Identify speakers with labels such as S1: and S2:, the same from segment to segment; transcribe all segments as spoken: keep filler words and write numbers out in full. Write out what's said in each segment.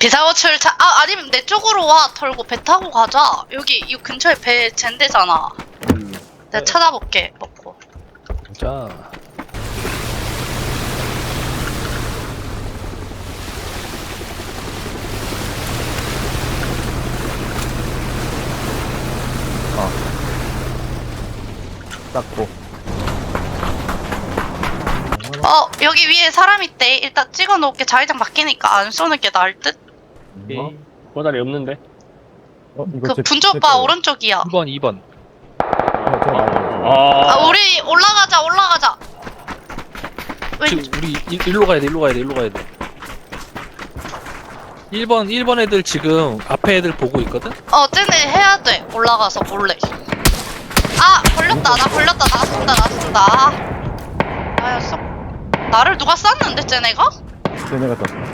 S1: 비상호출 차, 아, 아니면 내 쪽으로 와. 털고 배 타고 가자. 여기, 이 근처에 배 젠대잖아.
S2: 음.
S1: 내가 찾아볼게, 먹고.
S3: 자.
S2: 닦고.
S1: 어, 여기 위에 사람 있대. 일단 찍어 놓을게. 자기장 바뀌니까 안 쏘는 게 나을 듯?
S2: 어?
S4: 꼬다리 없는데?
S2: 어, 이거
S1: 그
S2: 제-
S1: 분조
S2: 제
S1: 오빠
S2: 거예요.
S1: 오른쪽이야.
S3: 이 번, 이 번.
S2: 어, 제가 말해요.
S4: 아,
S1: 아, 우리 올라가자, 올라가자. 왜,
S3: 지금 우리 일, 일로 가야 돼, 일로 가야 돼, 일로 가야 돼. 일 번, 일 번 애들 지금 앞에 애들 보고 있거든?
S1: 어, 쟤네 해야 돼. 올라가서 몰래. 아, 걸렸다. 나 걸렸다. 나 쏜다, 나 쏜다. 아, 나였어. 나를 누가 쐈는데, 쟤네가?
S2: 쟤네가 떴어.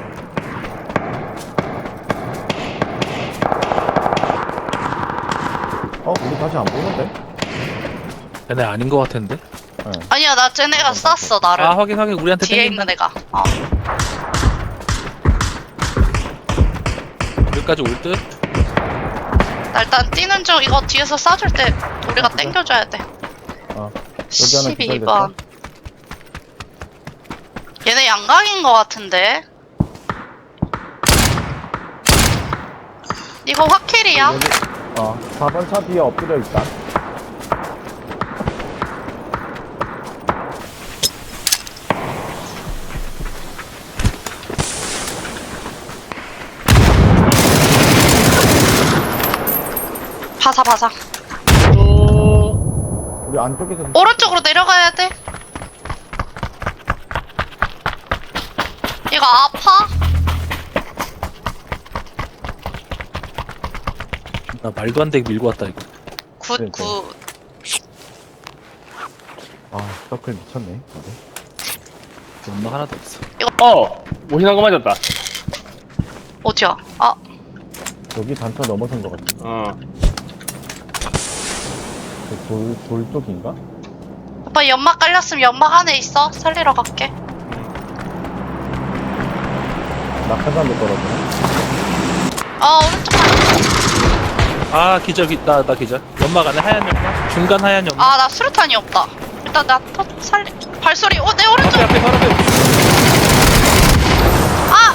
S2: 어, 우리 다시 안 보는데?
S3: 걔네 아닌 것 같은데?
S2: 네.
S1: 아니야, 나 쟤네가 쐈어, 나를.
S3: 아, 확인, 확인. 우리한테
S1: 뒤에
S3: 땡긴다.
S1: 있는 애가. 어.
S3: 여기까지 올 듯?
S1: 나 일단 뛰는 중. 이거 뒤에서 쏴줄 때 우리가 땡겨줘야 돼.
S2: 어. 여기 하나
S1: 십이 번. 얘네 양각인 것 같은데. 이거 확킬이야?
S2: 여기, 어, 사 번 차 뒤에 엎드려 있다.
S1: 바사 바사.
S2: 우리 안쪽에서.
S1: 오른쪽으로 내려가야 돼. 이거 아파?
S3: 나 말도 안 되게 밀고 왔다, 이거.
S1: 굿
S2: 네,
S1: 굿.
S2: 아, 서클 미쳤네. 다들.
S3: 연막 하나도 없어.
S4: 어! 모신한 거 맞았다.
S1: 어디야? 아,
S2: 여기 단차 넘어선 것 같아.
S4: 어.
S2: 그 돌, 돌 쪽인가?
S1: 오빠 연막 깔렸으면 연막 안에 있어. 살리러 갈게.
S2: 낙하산도 떨어지네.
S1: 어, 오른쪽 가.
S3: 아, 기절, 기, 나, 나 기절. 연막 안에 하얀 연막? 중간 하얀 연막?
S1: 아, 나 수류탄이 없다. 일단 나 터, 살리. 발소리. 어, 내 오른쪽.
S3: 앞에, 앞에, 바로 앞에.
S1: 아!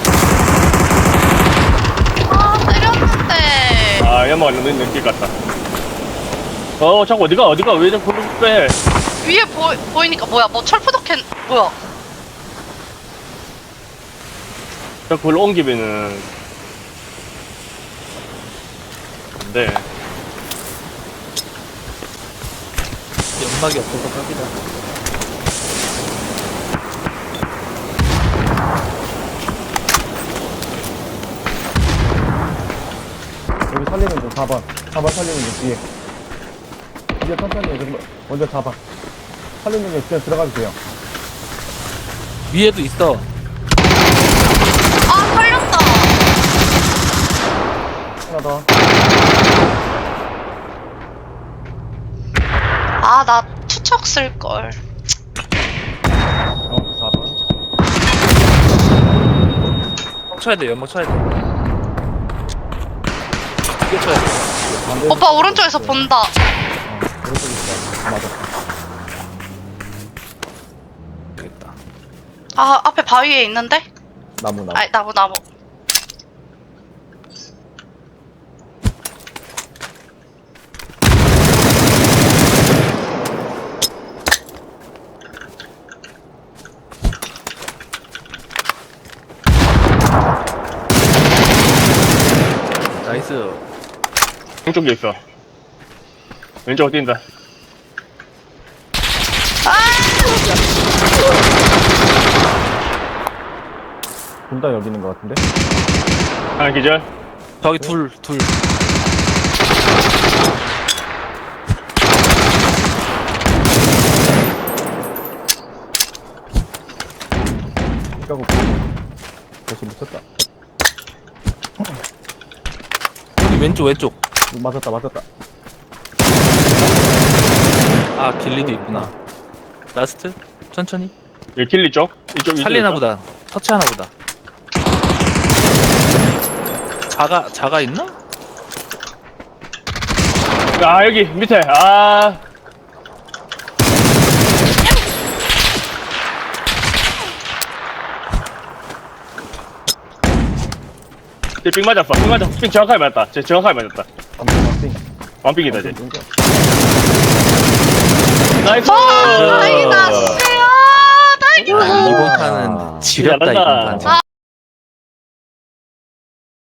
S1: 아, 때렸는데.
S4: 아, 연마가 너무 느낄 것 같다. 어, 자꾸 어디가, 어디가, 왜 자꾸 그걸 빼?
S1: 위에 보, 보이니까 뭐야? 뭐 철푸덕캔 뭐야?
S4: 자꾸 그걸 옮기면은. 안 돼.
S3: 연막이 없어서 깜이다.
S2: 여기 살리는 중 사 번. 사 번 살리는 중 뒤에. 이제 천천히 해. 좀 먼저 잡아. 살리는 중 그냥 들어가도 돼요.
S3: 위에도 있어.
S1: 아, 살렸다.
S2: 하나 더.
S1: 아, 나 투척 쓸 걸.
S2: 어, 사 번.
S3: 연막 쳐야 돼, 연막 쳐야 돼. 이게 쳐야 돼.
S2: 반대.
S1: 오빠 오른쪽에서 본다.
S2: 어, 오른쪽에 있어. 맞아.
S3: 되겠다.
S1: 아, 앞에 바위에 있는데?
S2: 나무, 나무.
S1: 아, 나무 나무.
S3: 나이스.
S4: 왼쪽에 있어. 왼쪽으로 뛴다.
S2: 둘 다 여기 있는 것 같은데?
S4: 하나 기절.
S3: 저기 둘, 둘.
S2: 까고 벌써 미쳤다.
S3: 여기 왼쪽, 왼쪽.
S2: 맞았다, 맞았다.
S3: 아, 길리도 있구나. 라스트? 천천히.
S4: 여기 길리 쪽? 이쪽, 이쪽.
S3: 살리나
S4: 있어?
S3: 보다. 터치하나 보다. 자가 자가 있나?
S4: 아 여기 밑에 아 쟤삥 맞았어 삥 맞았어 삥 정확하게 맞았다 쟤 정확하게 맞았다
S2: 안돼
S4: 완삥이다 쟤 나이스
S1: 아, 다행이다, 씨. 아, 다행이다.
S3: 아, 이번 판은 지렸다 이번
S4: 잘한다.
S3: 판.
S1: 아,